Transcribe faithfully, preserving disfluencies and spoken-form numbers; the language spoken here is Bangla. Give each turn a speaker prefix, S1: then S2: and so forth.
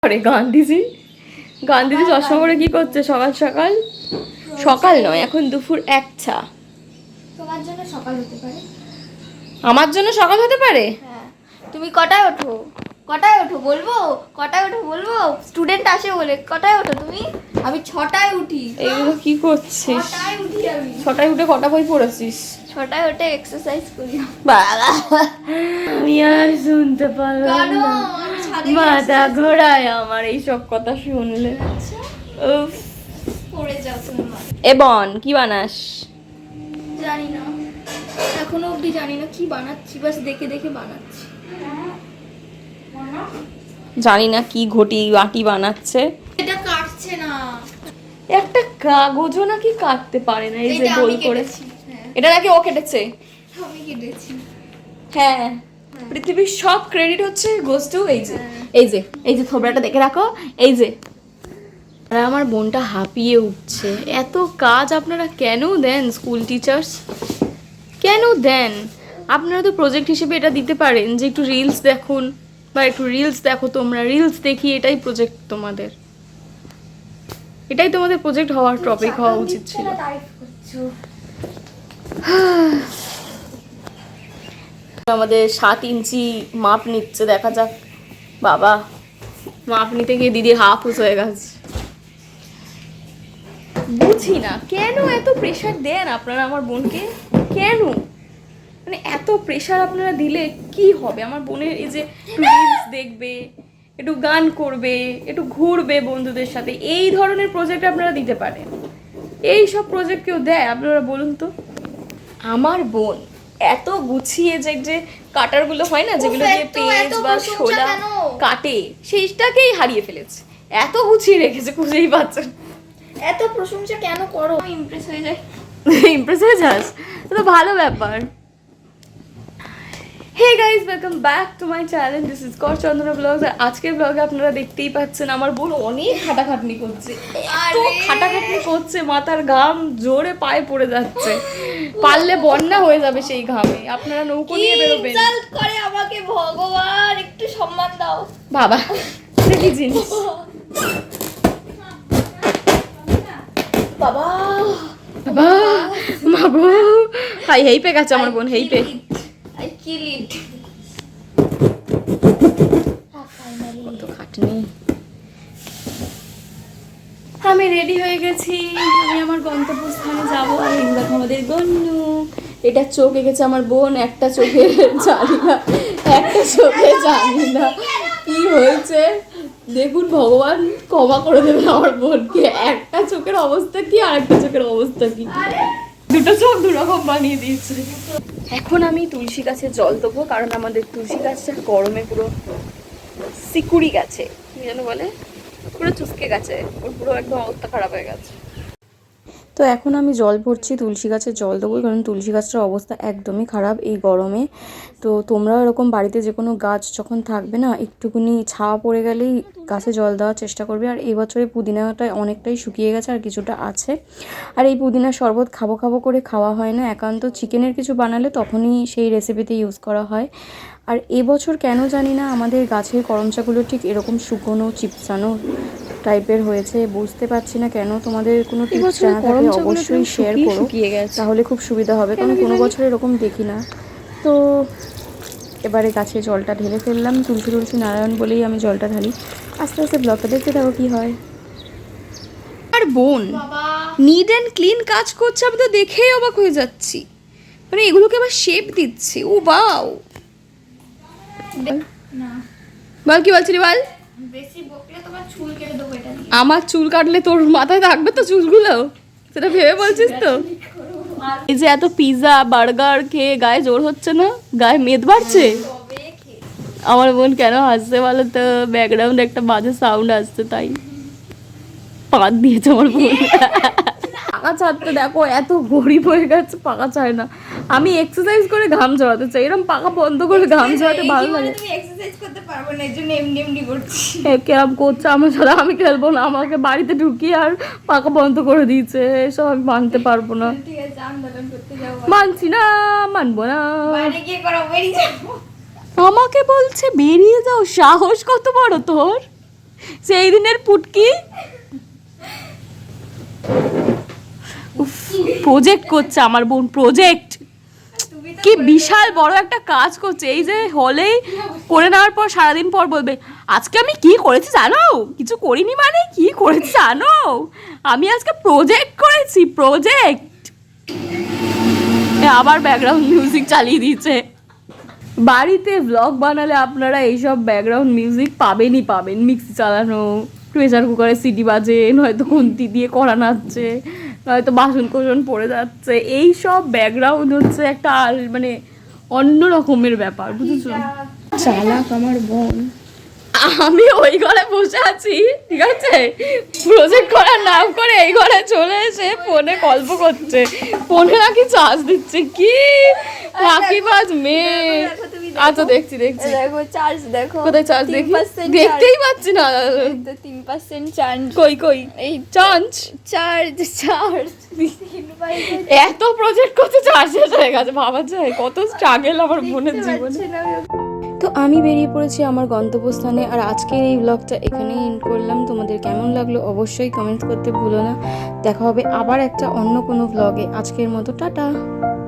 S1: আরে গান্ধীজি গান্ধীজি চশমা পরে কি করছে সকাল সকাল? সকাল নয়, এখন দুপুর একটা।
S2: তোমার জন্য সকাল হতে পারে,
S1: আমার জন্য সকাল হতে পারে।
S2: হ্যাঁ। তুমি কটায় ওঠো? কটায় ওঠো বলবো? কটায় ওঠো বলবো? স্টুডেন্ট আসে বলে কটায় ওঠো তুমি? আমি ছটায় উঠি।
S1: এইগুলো কি করছিস?
S2: ছটায় উঠি আমি।
S1: ছটায় উঠে কটা বই পড়েছিস?
S2: ছটায় উঠে এক্সারসাইজ করি।
S1: বাবা, আমি আর শুনতে পারলাম
S2: কেন?
S1: না,
S2: আমি ছাদে
S1: মাথা ঘোরায় আমার এইসব কথা শুনলে।
S2: আচ্ছা,
S1: উফ।
S2: পড়ে যাও তোমার।
S1: এবন কি বানাস?
S2: জানি না, এখনো অবধি জানি না কি বানাচ্ছি, বাস দেখে দেখে বানাচ্ছি।
S1: জানি না কি ঘটি বাটি বানাচ্ছে।
S2: এটা কাটছে না,
S1: একটা কাগজও নাকি কাটতে পারে না। এই যে
S2: এটা
S1: গোল
S2: আমি
S1: করে,
S2: কেটেছি। হ্যাঁ,
S1: এটা নাকি ও কেটেছে।
S2: আমি কেটেছি।
S1: হ্যাঁ, পৃথিবীর সব ক্রেডিট হচ্ছে গোস টু এই যে
S2: হ্যাঁ।
S1: এই যে এই যে থোবড়াটা দেখে রাখো। এই যে আর আমার বোনটা হাঁপিয়ে উঠছে। এত কাজ আপনারা কেন দেন স্কুল টিচার্স? কেন দেন? আপনারা তো প্রজেক্ট হিসেবে এটা দিতে পারেন যে একটু রিলস দেখুন বা একটু রিলস দেখো, তোমরা রিলস দেখি, এটাই প্রজেক্ট তোমাদের, এটাই তোমাদের প্রজেক্ট হওয়ার টপিক হওয়া উচিত ছিল।
S2: তারিফ করছো।
S1: আমাদের সাত ইঞ্চি মাপ নিচ্ছে, দেখা যাক। বাবা, মাপ নিতে গিয়ে দিদির হাফ হুস হয়ে গেছে। বুঝি না কেন এত প্রেশার দেন আপনারা আমার বোনকে। কেন মানে এত প্রেশার আপনারা দিলে কি হবে? আমার বোনের এই যে রিলস দেখবে, একটু গান করবে, একটু ঘুরবে বন্ধুদের সাথে, এই ধরনের প্রজেক্ট আপনারা দিতে পারেন। এই সব প্রজেক্ট কেউ দেয় আপনারা বলুন তো? আমার বোন এত গুছিয়ে যে যে কাটারগুলো হয় না, যেগুলো দিয়ে পেজ বা শোলা কাটে, সেইটাকেই হারিয়ে ফেলেছে। এত গুছিয়ে রেখেছে, খুঁজেই পাচ্ছে।
S2: এত প্রশংসা কেন করো? ইমপ্রেস হয়ে যায়।
S1: ইমপ্রেস হয়ে যাস, তো ভালো ব্যাপার। Hey guys, welcome back to my channel. This is কর চন্দনা ব্লগস। আর আজকের ব্লগে আপনারা দেখতেই পাচ্ছেন আমার বোন অনেক খাটাখাটনি করছে। এত খাটাখাটনি করছে, মাথার ঘাম জোরে পায়ে পড়ে যাচ্ছে। পারলে বন্যা হয়ে যাবে সেই ঘামে। আপনারা নৌকো নিয়ে বেরোবেন।
S2: ইনসাল্ট করে আমাকে, ভগবান একটু সম্মান দাও।
S1: বাবা, এটা কি জিনিস?
S2: বাবা
S1: বাবা, মাগো, হাই হেই পে গেছে আমার বোন, হেই পে।
S2: আই কিল ইট।
S1: কত খাটনি। আমি রেডি হয়ে গেছি, আমি আমার গন্তব্যস্থানে যাবো। আর এই দেখো আমাদের গন্নু, এটা চোখ এঁকেছে আমার বোন, একটা চোখে জানি না, একটা চোখে জানি না কি হয়েছে। দেখুন ভগবান ক্ষমা করে দেবেন আমার বোনকে। একটা চোখের অবস্থা কি আর একটা চোখের অবস্থা কি, দুটো চোখ দুরকম বানিয়ে দিয়েছে। এখন আমি তুলসী গাছে জল দেবো, কারণ আমাদের তুলসী গাছটা গরমে পুরো সিকুড়ি গেছে, কি যেন বলে, পুরো চুসকে গেছে, ওর পুরো একদম অবস্থা খারাপ হয়ে গেছে। তো এখন আমি জল ভরছি, তুলসী গাছে জল দেবো, কারণ তুলসী গাছটার অবস্থা একদমই খারাপ এই গরমে। তো তোমরা এরকম বাড়িতে যে কোনো গাছ যখন থাকবে না, একটুখানি ছাওয়া পড়ে গেলেই গাছে জল দেওয়ার চেষ্টা করবে। আর এই বছরে পুদিনাটা অনেকটাই শুকিয়ে গেছে, আর কিছুটা আছে। আর এই পুদিনার শরবত খাবো খাবো করে খাওয়া হয় না, একান্ত চিকেনের কিছু বানালে তখনই সেই রেসিপিতে ইউজ করা হয়। আর এবছর কেন জানি না আমাদের গাছের করমচাগুলো ঠিক এরকম শুকনো চিপসানো টাইপের হয়েছে, বুঝতে পারছি না কেন। তোমাদের কোনো টিপস জানা থাকলে অবশ্যই শেয়ার করো, তাহলে খুব সুবিধা হবে, কারণ কোনো বছর এরকম দেখি না। তো এবারে গাছে জলটা ঢেলে ফেললাম, তুলসী তুলসী নারায়ণ বলেই আমি জলটা ঢালি। আস্তে আস্তে ব্লগটা দেখতে থাকো কি হয়। আর বোন নিট অ্যান্ড ক্লিন কাজ করছে, আমি তো দেখেই অবাক হয়ে যাচ্ছি। মানে এগুলোকে আবার শেপ দিচ্ছে, ও বাও।
S2: না,
S1: বল কি বলছিলি বল।
S2: বেশি বকলে তোমার চুল কেটে দেবো এটা দিয়ে।
S1: আমার চুল কাটলে তোর মাথায় থাকবে তো চুলগুলো, সেটা ভেবে বলছিস তো? এই যে এত পিৎজা বার্গার খেয়ে গায়ে জোর হচ্ছে না, গায়ে মেদ বাড়ছে। আমার বোন কেন হাসছে বলো তো? ব্যাকগ্রাউন্ডে একটা বাজে সাউন্ড আসছে, তাই পাক দিয়েছে আমার বোন। পাকা ছাড়তে দেখো এত গরিব হয়ে গেছে, পাকা চায় না। আমি এক্সারসাইজ করে ঘাম ঝরাতে চাই, এরকম পাকা বন্ধ করে ঘাম ঝরাতে ভালো লাগে।
S2: তুমি এক্সারসাইজ করতে পারবে না, এজন্য এমনি এমনি করছি।
S1: কেরাম করছে আমার সাথে, আমি খেলবো না। আমাকে বাড়িতে ঢুকিয়ে আর পাকা বন্ধ করে দিয়েছে, এসব আমি মানতে পারবো না।
S2: ঠিক আছে, আন্দোলন করতে যাও।
S1: মানছি না, মানবো না।
S2: বাইরে গিয়ে করো, বেরিয়ে যাও।
S1: আমাকে বলছে বেরিয়ে যাও, সাহস কত বড় তোর? সেই দিনের পুটকি প্রজেক্ট করছে আমার বোন, প্রজেক্ট কি বিশাল বড় একটা কাজ করছে। এই যে হলেই করে নেওয়ার পর সারাদিন পর বলবে আজকে আমি কি করেছি জানো, কিছু করিনি মানে কি করেছি জানো, আমি আজকে প্রজেক্ট করেছি, প্রজেক্ট। আবার ব্যাকগ্রাউন্ড মিউজিক চালিয়ে দিয়েছে। বাড়িতে ব্লগ বানালে আপনারা এইসব ব্যাকগ্রাউন্ড মিউজিক পাবেনই পাবেন। মিক্সি চালানো, প্রেসার কুকারে সিটি বাজে, নয়তো খুন্তি দিয়ে কড়া নাড়ছে, নয়তো বাসন কোসন পড়ে যাচ্ছে, এই সব ব্যাকগ্রাউন্ড হচ্ছে একটা আর মানে অন্য রকমের ব্যাপার, বুঝেছো? চালাক আমার বোন। আমি ওই ঘরে বসে আছি, ঠিক আছে, প্রজেক্ট করার নাম করে এই ঘরে চলে এসে ফোনে গল্প করছে, ফোনে নাকি চার্জ দিচ্ছে। কি ফাঁকিবাজ মেয়ে। আচ্ছা দেখছি দেখছি,
S2: দেখো চার্জ দেখো,
S1: কোথায় চার্জ দেখি,
S2: তিন percent
S1: দেখতেই পাচ্ছি না।
S2: তো তিন পার্সেন্ট চার্জ,
S1: কই কই এই চার্জ,
S2: চার্জ চার্জ
S1: এত প্রজেক্ট করতে চার্জ শেষ হয়ে গেছে। ভাবা যায় কত স্ট্রাগল আমার বোনের জীবনে। তো আমি বেরিয়ে পড়েছি আমার গন্তব্যস্থানে, আর আজকের এই ব্লগটা এখানেই এন্ড করলাম। তোমাদের কেমন লাগলো অবশ্যই কমেন্ট করতে ভুলো না। দেখা হবে আবার একটা অন্য কোনো ব্লগে। আজকের মতো টাটা।